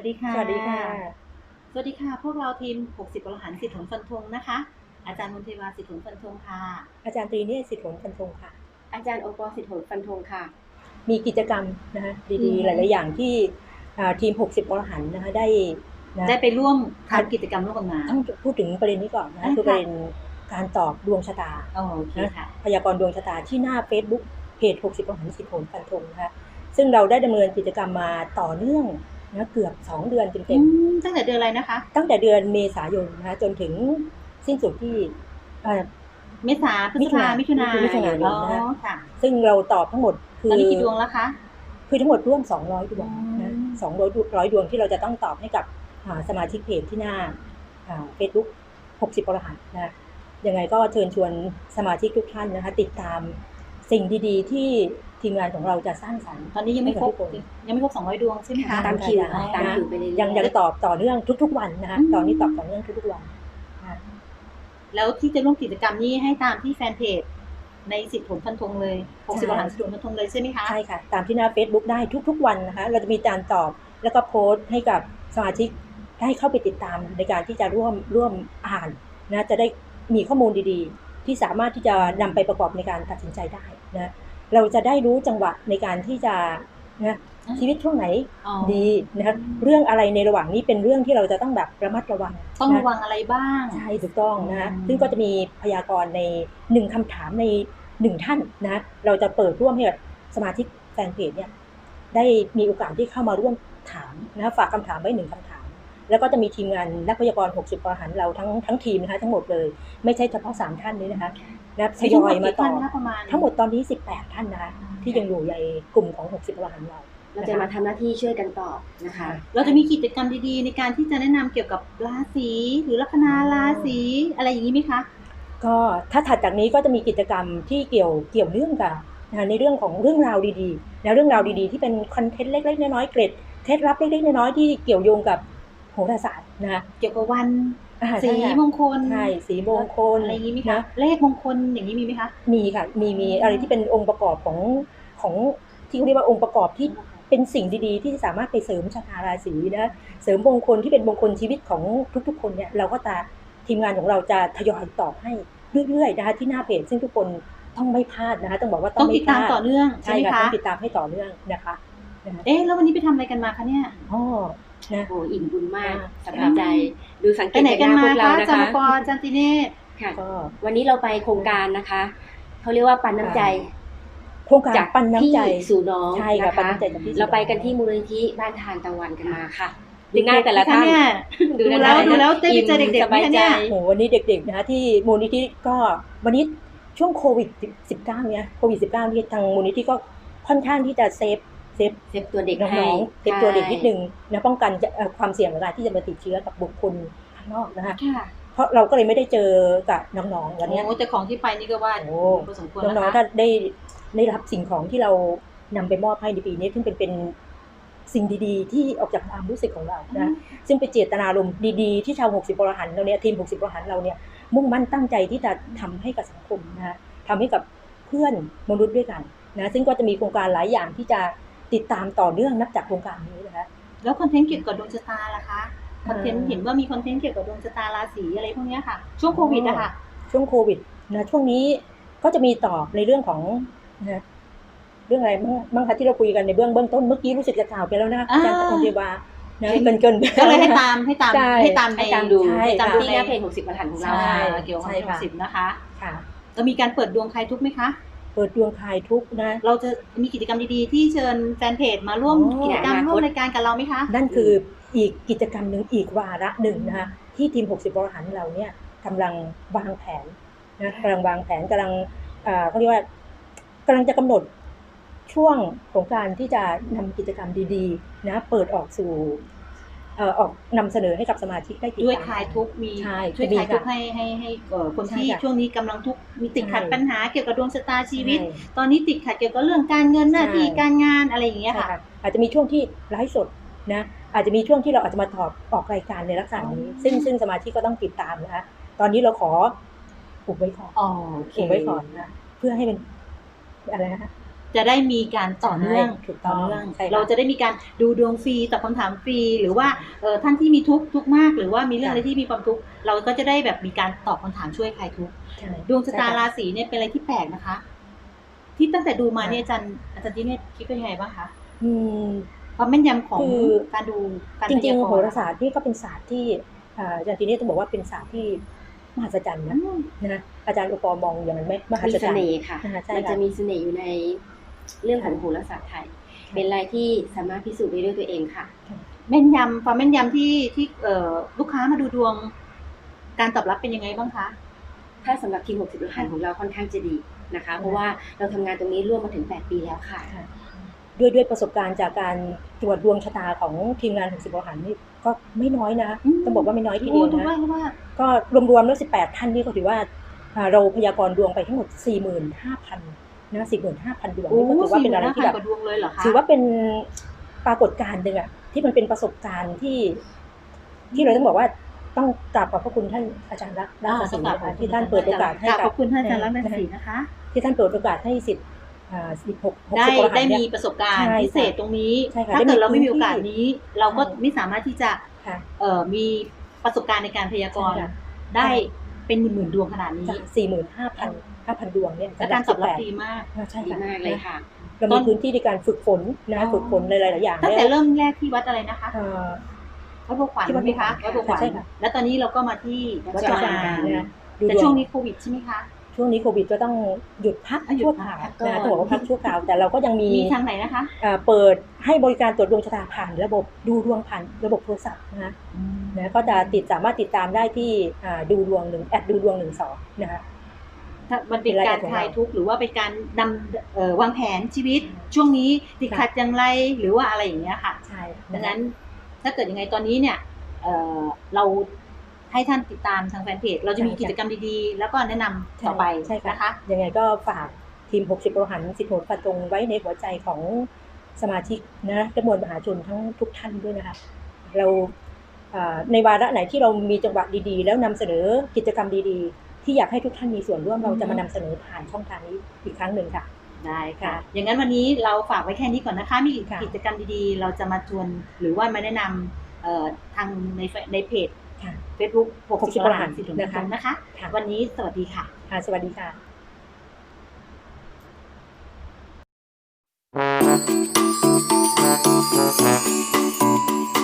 สดีค่ะสวัสดีค่ะสวัสดีค่ะพวกเราทีม60อรหันต์สิทธิ์ผลฟันธงนะคะอาจารย์มนเทวาสิทธิ์ผลฟันธงค่ะอาจารย์ตรีเนี่ยสิทธิ์ผลฟันธงค่ะอาจารย์โอปอล์สิทธิผลฟันธงค่ะมีกิจกรรมนะคะดีๆหลายๆอย่างที่ทีม60อรหันต์นะคะได้ไปร่วมทำกิจกรรมร่วมกันมาต้องพูดถึงประเด็นนี้ก่อนนะคือประเด็นการตอบดวงชะตาโอเคค่ะพยากรณ์ดวงชะตาที่หน้า Facebook เพจ60อรหันต์สิทธิ์ผลฟันธงนะคะซึ่งเราได้ดำเนินกิจกรรมมาต่อเนื่องนะเกือบ2เดือนเต็มตั้งแต่เดือนอะไรนะคะตั้งแต่เดือนเมษายนนะคะจนถึงสิ้นสุดที่เมษาพฤษภามิถุนายนค่ะซึ่งเราตอบทั้งหมดคือตอนนี้กี่ดวงแล้วคะคือทั้งหมดร่วม200ดวงนะ200ดวงที่เราจะต้องตอบให้กับสมาชิกเพจที่หน้าFacebook 60อรหันต์นะยังไงก็เชิญชวนสมาชิกทุกท่านนะคะติดตามสิ่งดีๆที่ทีมงานของเราจะสร้างสรรค์ตอนนี้ยังไม่ครบ200ดวงใช่ไหมคะตามคิวไปเลยยังตอบต่อเนื่องทุกๆวันนะคะตอนนี้ตอบต่อเนื่องทุกๆวันแล้วที่จะร่วมกิจกรรมนี้ให้ตามที่แฟนเพจในสิทธิ์ผลฟันธงเลย60อรหันต์สิทธิ์ผลฟันธงเลยใช่ไหมคะใช่ค่ะตามที่หน้า Facebook ได้ทุกๆวันนะคะเราจะมีการตอบแล้วก็โพสต์ให้กับสมาชิกได้เข้าไปติดตามในการที่จะร่วมอ่านนะจะได้มีข้อมูลดีๆที่สามารถที่จะนำไปประกอบในการตัดสินใจได้นะเราจะได้รู้จังหวะในการที่จะนะชีวิตช่วงไหนดีนะคะเรื่องอะไรในระหว่างนี้เป็นเรื่องที่เราจะต้องแบบระมัดระวังต้องระวังอะไรบ้างใช่ถูกต้องนะซึ่งก็จะมีพยากรณ์ใน1คำถามใน1ท่านนะเราจะเปิดร่วมให้กับสมาชิกแฟนเพจเนี่ยได้มีโอกาสที่เข้ามาร่วมถามนะฝากคำถามไว้1คำถามแล้วก็จะมีทีมงานนักพยากรณ์60อรหันต์เราทั้งทีมนะคะทั้งหมดเลยไม่ใช่เฉพาะ3ท่านนี้นะคะทยอยมาต่อทั้งหมดตอนนี้18ท่านนะคะที่ยังอยู่ในกลุ่มของ60อรหันต์เราจะมาทำหน้าที่ช่วยกันตอบนะคะเราจะมีกิจกรรมดีๆในการที่จะแนะนำเกี่ยวกับราศีหรือลัคนาราศีอะไรอย่างนี้ไหมคะก็ถ้าถัดจากนี้ก็จะมีกิจกรรมที่เกี่ยวเนื่องกับในเรื่องของเรื่องราวดีๆนะเรื่องราวดีๆที่เป็นคอนเทนต์เล็กๆน้อยๆเกร็ดเคล็ดลับเล็กๆน้อยๆที่เกี่ยวโยงกับโหราศาสตร์นะคะเกี่ยวกับวันสีมงคลใช่สีมงคลอะไรอย่างนี้ไหมคะเลขมงคลอย่างนี้มีไหมคะมีค่ะมีอะไรที่เป็นองค์ประกอบของที่เขาเรียกว่าองค์ประกอบที่เป็นสิ่งดีๆที่สามารถไปเสริมชะตาราศีนะเสริมมงคลที่เป็นมงคลชีวิตของทุกๆคนเนี่ยเราก็จะทีมงานของเราจะทยอยตอบให้เรื่อยๆนะคะที่หน้าเพจซึ่งทุกคนต้องไม่พลาดนะคะต้องบอกว่าต้องติดตามต่อเนื่องใช่ไหมคะต้องติดตามให้ต่อเนื่องนะคะแล้ววันนี้ไปทำอะไรกันมาคะเนี่ยนะโอ้อิ่มบุญมากสบายใจดูสังเกตจากหน้าพวกเรานะคะจันปอจันติเนตค่ะวันนี้เราไปโครงการนะคะเขาเรียกว่าปันน้ำใจโครงการปันน้ำใจสู่น้องใช่ค่ะปันน้ำใจเราไปกันที่มูลนิธิบ้านทานตะวันกันมาค่ะดูหน้าแต่ละท่านดูแล้วได้ไปเจอเด็กๆไหมเนี่ยโหวันนี้เด็กๆนะคะที่มูลนิธิก็วันนี้ช่วงโควิด19เนี่ยโควิด19ที่ทางมูลนิธิก็ค่อนข้างที่จะเซฟตัวเด็กน้องๆเซฟตัวเด็กนิดนึงนะป้องกันความเสี่ยงเวลาที่จะมาติดเชื้อกับบุคคลข้างนอกนะคะเพราะเราก็เลยไม่ได้เจอกับน้องๆวันนี้แต่ของที่ไปนี่ก็ว่าพอสมควรน้องๆถ้าได้รับสิ่งของที่เรานำไปมอบให้ในปีนี้ซึ่งเป็นสิ่งดีๆที่ออกจากความรู้สึกของเรานะซึ่งเป็นเจตนารมณ์ดีๆที่ชาว60อรหันต์เราเนี่ยทีม60อรหันต์เราเนี่ยมุ่งมั่นตั้งใจที่จะทำให้กับสังคมนะทำให้กับเพื่อนมนุษย์ด้วยกันนะซึ่งก็จะมีโครงการหลายอย่างที่จะติดตามต่อเนื่องนับจากโครงการนี้นะคะแล้วคอนเทนต์เกี่ยวกับดวงชะตาล่ะคะคอนเทนต์เห็นว่ามีคอนเทนต์เกี่ยวกับดวงชะตาราศีอะไรพวกนี้ค่ะช่วงโควิดอะค่ะช่วงโควิดนะช่วงนี้ก็จะมีต่อในเรื่องของนะเรื่องอะไรบ้างคะที่เราคุยกันในเบื้องต้นเมื่อกี้รู้สึกจะกล่าวไปแล้วนะอาจารย์ตะกนเทวานะเกินก็เลยให้ตามดูที่หน้าเพจ60อรหันต์ของเราเกี่ยวกับ60นะคะค่ะจะมีการเปิดดวงใครทุกไหมคะเปิดดวงคลายทุกนะเราจะมีกิจกรรมดีๆที่เชิญแฟนเพจมาร่วมกิจกรรมร่วมรายการกับเราไหมคะนั่นคืออีกกิจกรรมหนึ่งอีกวาระหนึ่งนะคะที่ทีม60อรหันต์เราเนี่ยกำลังวางแผนนะกำลังวางแผนกำลังเขาเรียกว่ากำลังจะกำหนดช่วงของการที่จะนำกิจกรรมดีๆนะเปิดออกสู่ออกนำเสนอให้กับสมาชิกได้ด้วยคลายทุกมีช่วยคลายทุกให้คนที่ช่วงนี้กำลังทุกมีติดขัดปัญหาเกี่ยวกับดวงชะตาชีวิตตอนนี้ติดขัดเกี่ยวกับเรื่องการเงินหน้าที่การงานอะไรอย่างเงี้ยค่ะอาจจะมีช่วงที่ไลฟ์สดนะอาจจะมีช่วงที่เราอาจจะมาออกรายการในลักษณะนี้ซึ่งสมาชิกก็ต้องติดตามนะคะตอนนี้เราขออุบไว้ก่อนอุบไว้ก่อนนะเพื่อให้เป็นอะไรนะคะจะได้มีการต่อเนื่องใช่ถูกต้องต่อเนื่องใช่ค่ะเราจะได้มีการดูดวงฟรีตอบคำถามฟรีหรือว่าท่านที่มีทุกข์มากหรือว่ามีเรื่องอะไรที่มีความทุกข์เราก็จะได้แบบมีการตอบคำถามช่วยใครทุกข์ใช่ดวงชะตาใช่ค่ะราศีเนี่ยเป็นอะไรที่แปลกนะคะ ที่ตั้งแต่ดูมาเนี่ยอาจารย์ที่เนี่ยคิดเป็นยังไงบ้างคะอืมความแม่นยำของคือการดูการจริงพยากๆรณ์โหราศาสตร์นี่ก็เป็นศาสตร์ที่อาจารย์ทีนี้ต้องบอกว่าเป็นศาสตร์ที่มหัศจรรย์นะอาจารย์อุปมองอย่างนั้นไหมมหัมีศเสจรรย์น่ห์ค่ะใช่มันค่ะจะมีเสน่ห์อยู่ในเรื่องของโหราศาสตร์ไทย เป็นอะไรที่สามารถพิสูจน์ได้ด้วยตัวเองค่ะแม่นยำความแม่นยำที่ลูกค้ามาดูดวง การตอบรับเป็นยังไงบ้างคะถ้าสำหรับทีม 60 รหัสของเราค่อนข้างจะดีนะคะ เพราะว่าเราทำงานตรงนี้ร่วมมาถึง 8 ปีแล้วค่ะด้วยประสบการณ์จากการตรวจดวงชะตาของทีมงาน60 รหัสนี่ก็ไม่น้อยนะ ต้องบอกว่าไม่น้อยทีเดียวดูนะว่าก็รวมๆแล้ว18 ท่านนี่ก็ถือว่าเราพยากรณ์ดวงไปทั้งหมด 45,000 นะ 45,000 ดวงนี่ก็ถือว่าเป็นอะไรที่แบบกว่าดวงเลยเหรอคะถือว่าเป็นปรากฏการณ์หนึ่งอะที่มันเป็นประสบการณ์ที่เราต้องบอกว่าต้องกราบขอบพระคุณท่านอาจารย์รักศรีนะคะที่ท่านเปิดโอกาสให้ขอบคุณท่านอาจารย์รัตนศรีนะคะที่ท่านเปิดโอกาสให้สิทธิ์16 ได้ 60 รหัสได้เนี่ยมีประสบการณ์ใช่พิเศษตรงนี้ใช่ค่ะถ้าเกิดเราไม่มีโอกาสได้มีพื้นที่นี้ เราก็ใช่ไม่สามารถที่จะค่ะมีประสบการณ์ในการพยากรณ์ใช่ค่ะได้เป็นหมื่นๆดวงขนาดนี้ 45,000 ดวงเนี่ยและการตอบรับดีมากใช่ดีค่ะมากเลยค่ะเรามีพื้นที่ในการฝึกฝนนะฝึกฝนหลายๆอย่างตั้งแต่เริ่มแรกที่วัดอะไรนะคะเอ่อวัดบัวขวัญที่วัดไหมคะบัวขวัญวัดบัวขวัญใช่ค่ะแล้วตอนนี้เราก็มาที่วัดวัดจุจุฬาฬานะดูแต่ดวงช่วงนี้โควิดใช่ไหมคะช่วงนี้โควิดก็ต้องหยุดพักหยุดชั่วพัคราก วก่อนนะต้องบอกว่าพักชั่วคราวแต่เราก็ยังมีมีทางไหนนะคะเปิดให้บริการตรวจดวงชะตาผ่านระบบดูดวงผ่านระบบโทรศัพท์นะก็จะสามารถติดตามได้ที่ดูดวงดูดวง12นะคะถ้ามันเป็นการคลายทุกข์หรือว่าเป็นการนำวางแผนชีวิต ช่วงนี้ติดขัดอย่างไรหรือว่าอะไรอย่างเงี้ยค่ะใช่ดังนั้นถ้าเกิดยังไงตอนนี้เนี่ยเราให้ท่านติดตามทางแฟนเพจเราจะมีกิจกรรมดีๆ แล้วก็แนะนำต่อไปใช่นะคะยังไงก็ฝากทีม60 รหัสสิทธิ์โหนฟันตรงไว้ในหัวใจของสมาชิกนะจำนวนมหาชนทั้งทุกท่านด้วยนะคะเราในวาระไหนที่เรามีจังหวะดีๆ แล้วนำเสนอกิจกรรมดีๆ ที่อยากให้ทุกท่านมีส่วนร่วมเราจะมานำเสนอผ่านช่องทางนี้อีกครั้งหนึ่งค่ะได้ค่ะ อย่างนั้นวันนี้เราฝากไว้แค่นี้ก่อนนะคะ มีกิจกรรมดีๆ เราจะมาชวนหรือว่ามาแนะนำทางในเพจ Facebook 60 รหัสสิทธิ์โหนฟันตรงนะคะ วันนี้สวัสดีค่ะสวัสดีค่ะ Thank you.